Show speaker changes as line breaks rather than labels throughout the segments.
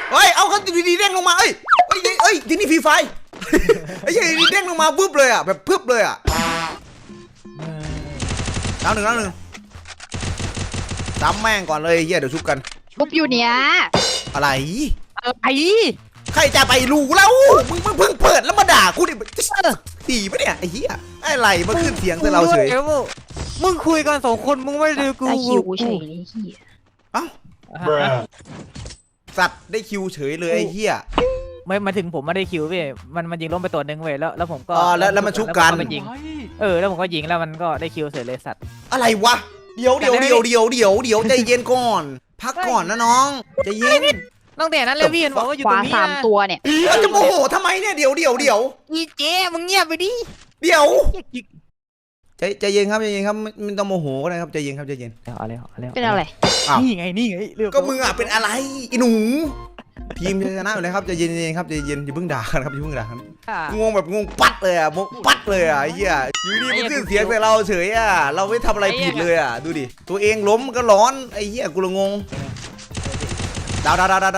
เฮ้ยเอาเขาดีๆเด้งลงมาเอ้ยที่นี่ฟรีไฟไอ้ยี่ดีเด้งลงมาปึ๊บเลยอ่ะแบบปึ๊บเลยอ่ะดาวหนึ่งซ้ำแม่งก่อนเลยเฮียเดี๋ยวชุบกัน
ชุบอยู่เนี้ย
อะไร
ใคร
จะไปรู้แล้วมึงเพิ่งเปิดแล้วมาด่ากูดิตีปะเนี่ยไอ้เหี้ยอะไรมาขึ้นเสียงใส่เราเฉย
มึงคุยกัน2 คนมึงไม่ดูกู
คิวเฉยเลยเหี้ย
เอ้าสัตว์ได้คิวเฉยเลยไอ้เหี้ย
ไม่มาถึงผมไม่ได้คิวพี่มันยิงล้มไปตัวนึงเว้ยแล้วผมก็
แล้วมันชุบกัน
แล้วผมก็ยิงแล้วมันก็ได้คิวเฉยเลยสัตว์
อะไรวะเดี๋ยวใจเย็นก่อนพักก่อนนะน้องใจเย็น
ตั้งแต่นั้นเลยพี่เห็นบอกว่าอยู่ตรงนี้
3 ตัวเนี่ย
จะโมโหทำไมเนี่ยเดี๋ยว
อีเจ๊มึงเงียบไปดิ
เดี๋ยวใจเย็นครับไม่ต้องโมโหก็ได้ครับใจเย็นครับใจเย็น
เอา
เป็นอะไร
นี่ไง
ก็มึงอ่ะเป็นอะไรอีหนูทีมชนะอยู่แล้วครับใจเย็นครับใจเย็นอย่าเพิ่งด่ากันครับอย่าเพิ่งด่ากันงงแบบงงปัดเลยอ่ะปัดเลยอ่ะไอ้เหี้ยอยู่ดีมันขึ้นเสียงใส่เราเฉยอ่ะเราไม่ทำอะไรผิดเลยอ่ะดูดิตัวเองล้มก็ร้อนไอ้เหี้ยกูละงงดาว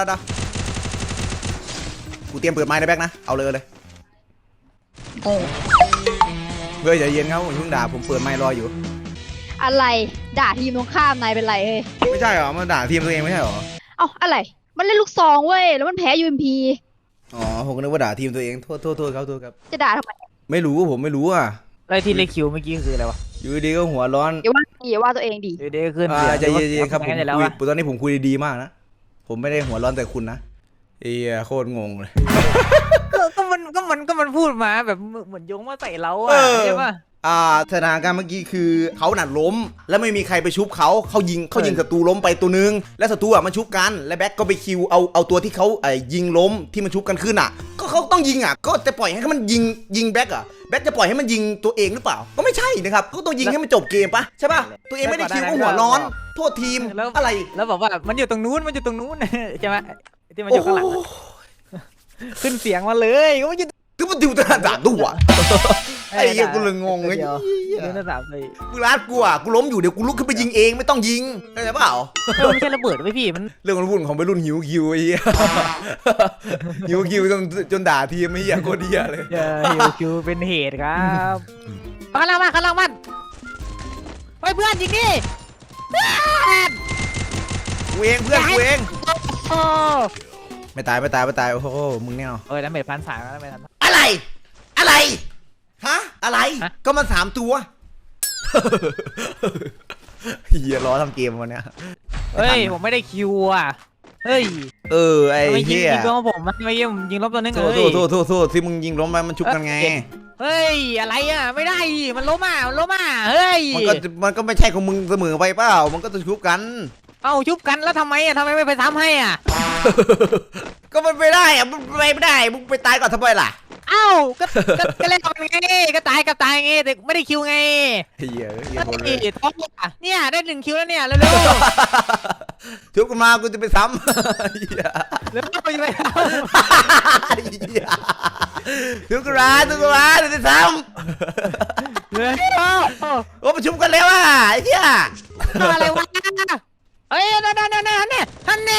กูเตรียมเปิดไม้ในแบ็กนะเอาเลย
โอ้
เฮ้ยใจเย็นครับผมเพิ่งด่าผมเปิดไม้รออยู่
อะไรด่าทีมตรงข้ามนายเป็นไรเฮ้ย
ไม่ใช่หรอมันด่าทีมตัวเองไม่ใช่หรอ
เอ้าอะไรมันเล่นลูกซองเว้ยแล้วมันแพ้ UMP
อ๋อผมก็นึกว่าด่าทีมตัวเองโทษครับ
จะด่าทำไม
ไม่รู้ผมไม่รู้อ่ะ
อะไรที่เลคิวเมื่อกี้คืออะไรวะ
อยู่ดีก็หัวร้อน
อย่าว่าตัวเองดิ
ดีขึ้น
ใจเย็นๆครับผมคุยตอนนี้ผมคุยดีมากนะผมไม่ได้หัวร้อนแต่คุณนะโคตรงงเลย
ก็มันพูดมาแบบเหมือนโยงมาใส่เราอ่ะใช่ปะ
สถานการณ์เมื่อกี้คือเขาหนัดล้มแล้วไม่มีใครไปชุบเขายิงศัตรูล้มไปตัวนึงแล้วศัตรูมันชุบกันแล้วแบ็คก็ไปคิวเอาตัวที่เขายิงล้มที่มันชุบกันขึ้นก็เขาต้องยิงก็จะปล่อยให้มันยิงแบ็คแบ็คจะปล่อยให้มันยิงตัวเองหรือเปล่าก็ไม่ใช่นะครับเขาต้องยิงให้มันจบเกมปะใช่ปะตัวเองไม่ได้คิวก็หัวร้อนโทษทีมอะไร
แล้วบอกว่ามันอยู่ตรงนู้นใช่ไหมที่มันอยู่ข้างหลังขึ้นเสียงมาเลยก็มันอยู่
คือมันดูตาด่าตัวไอ้เหี้ยกูเลยงงเลย
นี่น่าสามเลย
กูรัดกูล้มอยู่เดี๋ยวกูลุกขึ้นไปยิงเองไม่ต้องยิงเข้าใจเปล่า
ไม่ใช่ระเบิดไม่พี่มัน
เรื่องวุ่นของไปรุ่นหิวคิวไอ้เหี้ยหิวคิวจนด่าทีมไอ้เหี้ยโคตรเหี้ยเลย
หิวคิวเป็นเหตุครับข้างล่างมันเฮ้ยเพื่อนยิงดิ
กูเองไม่ตายโอ้โหมึงเนี่ย
แล้วเมท1,300แล้วเมท
อะไรฮะอะไรก็มัน3 ตัวเฮียล้อทำเกมวันเนี้ย
เฮ้ยผมไม่ได้คิวอ่ะเฮ้ย
ไอ้เฮีย
ยิงล้มผมไม่ยิงล้มตัวนึงเลย
โทษที่มึงยิงล้มไปมันชุบกันไง
เฮ้ยอะไรอ่ะไม่ได้มันล้มเฮ้ย
มันก็ไม่ใช่ของมึงเสมอไปเปล่ามันก็จะชุบกัน
ชุบกันแล้วทำไมไม่ไปซ้ำให้อ่ะ
ก็มันไม่ได้อะมันไม่ได้มึงไปตายก่อนทำไมล่ะ
ก็เล่นกันไงก็ตายไงแต่ไม่ได้คิวไง
เฮีย
ท้องเนี่ยได้1 คิวแล้วเนี่ยเร็ว
ๆชุบกันมากูจะไปซ้ำ
แล้วไปชุบกัน
มาเดี๋ยวจะซ้ำโอ้ประชุมกันแล้วอ่ะไอ้เหี้ย
อะไรวะเฮ้ยนั่นฮัน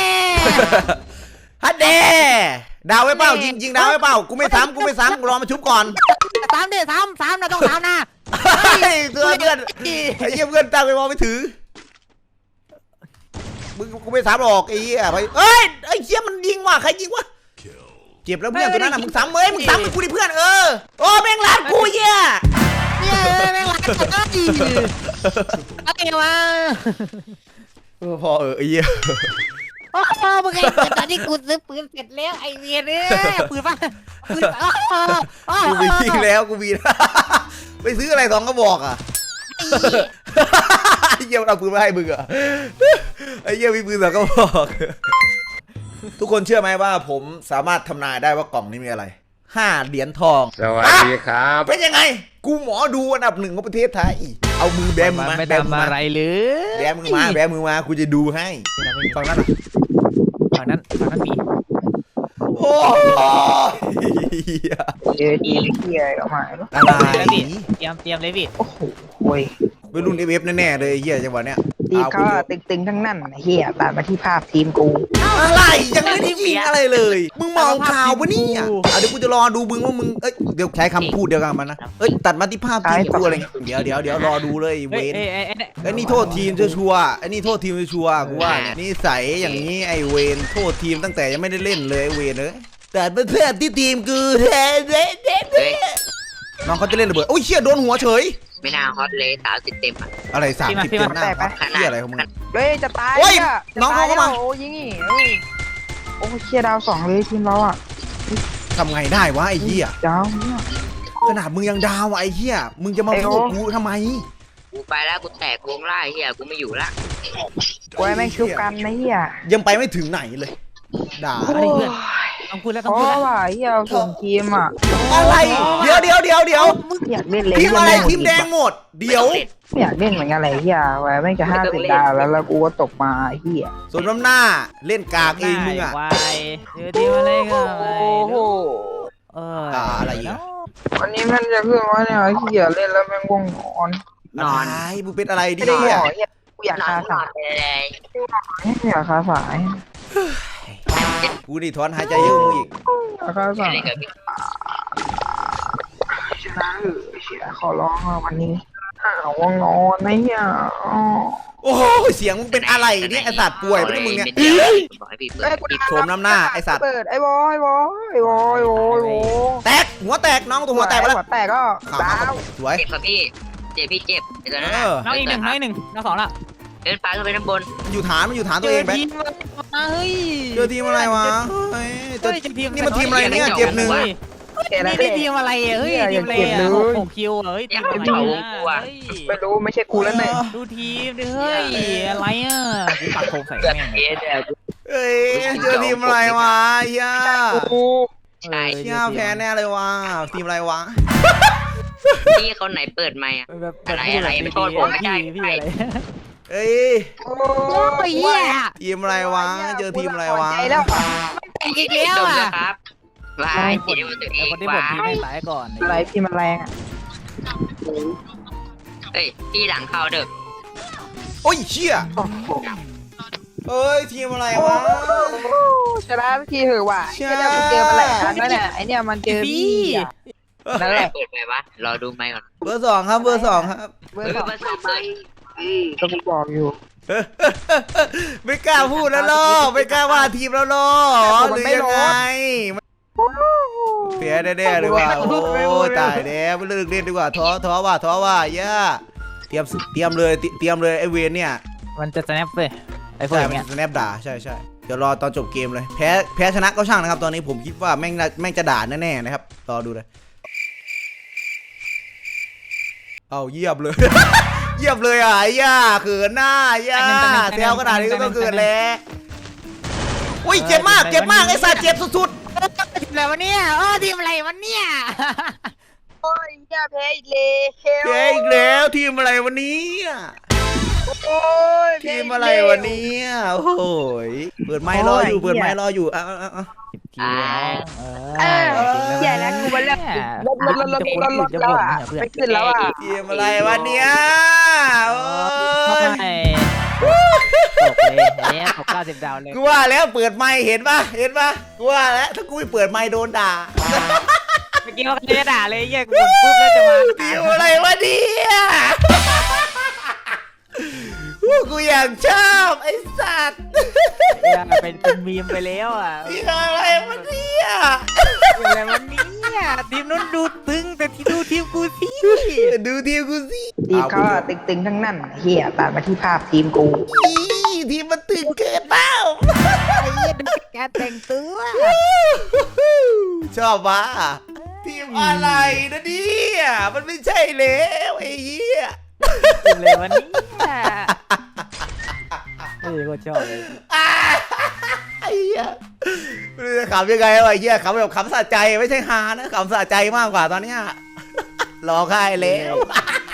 เดดาวไว้เปล่ายิงดาวไว้เปล่ากูไม่ซ้ำกูรอมาชุบก่อน
ซ้ำนะต้องซ้ำนะ
เพื่อนไอ้เหี้ยเพื่อนตั้งไปมองไม่ถือมึงกูไม่ซ้ำหรอกไอ้เหี้ยไปไอ้เหี้ยมันยิงว่ะใครยิงวะเจ็บแล้วเพื่อนตัวนั้นน่ะมึงซ้ำมึงซ้ำกูดิเพื่อนโอ้แม่งรัดกูเหี้ย
แม่งรัดอะไรวะ
พอไอ้เหี้ย
มึงไงตอนที่กูซื้อปืนเสร็จแล้วไอ้เวียนปืนป่ะ
กูมียิงแล้วกูมีไปซื้ออะไร2 กระบอกไอ้เหี้ยเอาปืนมาให้มึงไอ้เหี้ยมีปืน2 กระบอกทุกคนเชื่อไหมว่าผมสามารถทำนายได้ว่ากล่องนี้มีอะไร5 เหรียญทอง
สวัสดีครับ
เป็นยังไงกูหมอดูอันดับ 1ของประเทศไทยเอามือแบมือมา
ไม่ทำอะไรเลย
แบมือมากูจะดูให้ฟังนั้น
มี
โอ้
ดีเฮียออกมา
อะไร
เตรียมเลยพี่
โอ้โห
ไปรุ่นเอฟแน่ๆเลยเฮียจังหวะเนี้ย
ทีมเขาอะตึงๆทั้งนั้นไอ้เฮียตัดมาที่ภาพทีมกู
อะไรยังไม่ได้ยิงอะไรเลย มึงมองข่าวปะเนี่ยเดี๋ยวกูจะรอดูมึงว่ามึงเดี๋ยวใช้คำพูดเดียวกันมันนะตัดมาที่ภาพทีมกูอะไรเงี้ยเดี๋ยวรอดูเลยเว
เฮ้ย
น
เอ้ย
นี่โทษทีมชัวร์ไอ้นี่โทษทีมชัวร์กูว่าเนี่ยนิสัยอย่างนี้ไอ้เวนโทษทีมตั้งแต่ยังไม่ได้เล่นเลยไอ้เวนแต่เพื่อนที่ทีมกูน้องเขาจะเล่นระเบิดโอ้ยเชี่ยโดนหัวเฉย
ไม่น่าฮอตเลย30 เต็มอ่ะ
อะไร30 เต็มหน้าเชี่ยอะไรของมึง
เฮ้ยจะตาย
โอ้ย
ะ
น้องเขาเข้ามา
โอ้ยิงอีกเฮ้ยโอ้เชียดาว2เลยทีมเราอ่ะ
ทำไงได้วะไอ้เหี้ย
ดาวเนี่ย
ขนาดมึงยังดาวไอ้เหี้ยมึงจะมาพูดกูทำไม
กูไปแล้วกูแตกวงไล่เฮียกูไม่อยู่ละ
กูให้แม่งชุบกันนะเฮีย
ยังไปไม่ถึงไหนเลยด่า
อะไรเพื่อนต้องพูดแล้วต้อง
เพ
พูด
ราะ
แล้ว
ว่าเฮียส่งทีมอ่ะ
อะไรเดี๋ยว
อยากเล่นเลย
ทีมอะไรทีมแดงหมดเดี๋ยว
ไม่อยากเล่นเหมือนกันเลยเฮียไว้แม่งจะ50 ดาวแล้วกูก็ตกมาเฮีย
ส่วนน้ำหน้าเล่นกากเองมึงอ่ะ
วายเจอทีมอะไรก็ไป
โอ้โห
เออ
อะไรอีกอะ
วันนี้มันจะขึ้นว่าเนี่ยเฮียเล่นแล้วแม่งง่วงนอน
นอน
อะไรมึงเป็นอะไรดิ
ไม่ได้หมอเฮียกูอยาก
นอ
คาน
นอ
สาน ย
ไปเลย
อยากคาสาย
กูนี่ถอนหายใจเยอะมึงอีก
อยากคาสาย
เล่นกับพี่
ชนะเออเชียขอร้องอะวันนี้ง่วงนอนนะเฮียอ๋อ
โอ้โหเสียงมึงเป็นอะไรเนี่ยไอสัตว์ป่วยไม่ได้มึงเนี่ย
บอกให้พี่เปิด
เอ้ยกู
โฉมน้ำหน้าไอสัตว์
เปิดไอ้บอยบอยบอยบอยบอย
แตกหัวแตกน้องตัวหัวแตกไปแล้ว
หัวแตกก็
ข่าว
ดา
มาว สวย
เจ็บครับพี่เจ็บพี่เจ็บไอ้ตัวนั้น
น้องอีกหนึ่งน้องอีกหนึ่งน้องสองละ
เดินไปขึ้นไปด้านบน
มันอยู่ฐานตัวเองแบ๊ก
ทีมมาเฮ้ย
เจอทีมอะไรวะเฮ้ยเจอ
ทีม
นี่มันทีมอะไรเนี่ยเจ็บหนึ่ง
นี่ได้ทีมอะไรเฮ้ยทีมอะไร6 คิวเฮ้ยทีม
ไม่รู้ไม่ใช่กูแล้วเนี่ย
ดูทีมดิเฮ้ยอะไรอ่ะกูปักโคมใส่
เกิด
แม่ง
เอสเนี่ย
เฮ้ยเจอทีมอะไรวะเฮีย
กู
ใช่
เฮียแพ้แน่เลยวะทีมอะไรวะ
พี่คนไหนเปิดไมค์อ่ะ
แบบ
ไม่โทษผมไม่ได้
พี่อะไร
เอ้ย
โอ้
โอ้ยเหี้ย
ทีมอะไรวะเจอทีมอะไรวะ
ใจแล้ว
อีกแล้ว
ดม
อ่ะ
นะครับวายเจ็บตัวเอง
คนที่บ่นทีม
วาย
ไม่ตายก่อน
อะไรพี่มันแรงอ่ะ
เฮ้ยพี่หลังเข้าเด้อ
โอ้ยเชี่ยเอ้ยทีมอะไรวะ
ชนะทีเหอะว่ะเนี่ยมันเจอมาหลายครั้งแล้วเนี่ยไอเนี่ยมันเจอพี่นั่นแหละ
เปิดไปวะรอดูไมค์ก่อน
เบอร์ 2ครับเบอร์ 2ครับ
เบอร์สอง
เบอร์สองไป
ก็กูบอกอยู่
ไม่กล้าพูดแล้วล่อไม่กล้าว่าทีมแล้วล่อหรือยังไงเสียแน่ๆเลยว่ะโอ้ตายแล้วไม่เลิกเล่นดีกว่าท้อว่าย่าเตรียมเลยไอเวนเนี่ย
มันจะ snap เลยไอ้พวก
ใช่
อย่าง
มัน
เงี้ย
สแนปด่าใช่เดี๋ยวรอตอนจบเกมเลยแพ้ชนะก็ช่างนะครับตอนนี้ผมคิดว่าแม่งจะด่าแน่ๆนะครับรอดูเลยเอาเยียบเลย เยียบเลยอ่ะย่าเขินหน้าย่าแซวขนาดนี้ก็ต้องเกิดแล้วอุ้ยเจ็บมากไอ้สัตว์เจ็บสุด
ทีมอะไรวะเนี่ยทีมอะไรวะเนี่ย
โอ้ยอย่าแพ้อีกเลย
ๆแพ้อีกแล้วทีมอะไรวันนี้
โอ้ย
ทีมอะไรวันนี้โอ้โหเปิดไมค์รออยู่เอา
คิว
ใหญ่แล้วกูมาเล่นลดแล้วอ่ะไม่ขึ้นแล้วอ่ะ
ทีมอะไรวันนี้โอ้ย
ตกเลยเนี่ยตก90 ดาวเลย
กูว่าแล้วเปิดไมค์เห็นปะกูว่าแล้วถ้ากูไม่เปิดไมค์โดนด่า
เมื่อกี้เขาจะด่าเลยแยกกูปุ๊บแล้วจะมา
ทีมอะไรวะเนี่ยกูอยากชอบไอ้สัตว์
เป็นมีมไปแล้วอ่ะ
ทีมอะไรวะเนี่ย
อะไรวะเนี่ยทีมนู้นดูตึงแต่ที่ดูทีมกูสิ
ดูทีมกูสิ
ทีมเขาตึงๆทั้งนั้นเฮียตัดมาที่ภาพทีมกู
ทีมมันตึงเกินเปล่า
ไอ้เหี้ยดูการแต่งตัว
ชอบวะทีมอะไรนะเนี่ยมันไม่ใช่แล้วไอ้เหี้ย
ทีมอะไรวะเนี่ยก็ชอบเลย
ไอ้เหี้ยไม่รู้จะขำยังไงวะไอ้เหี้ยขำแบบขำสะใจไม่ใช่ฮานะขำสะใจมากกว่าตอนเนี้ยรอค่ายแล้ว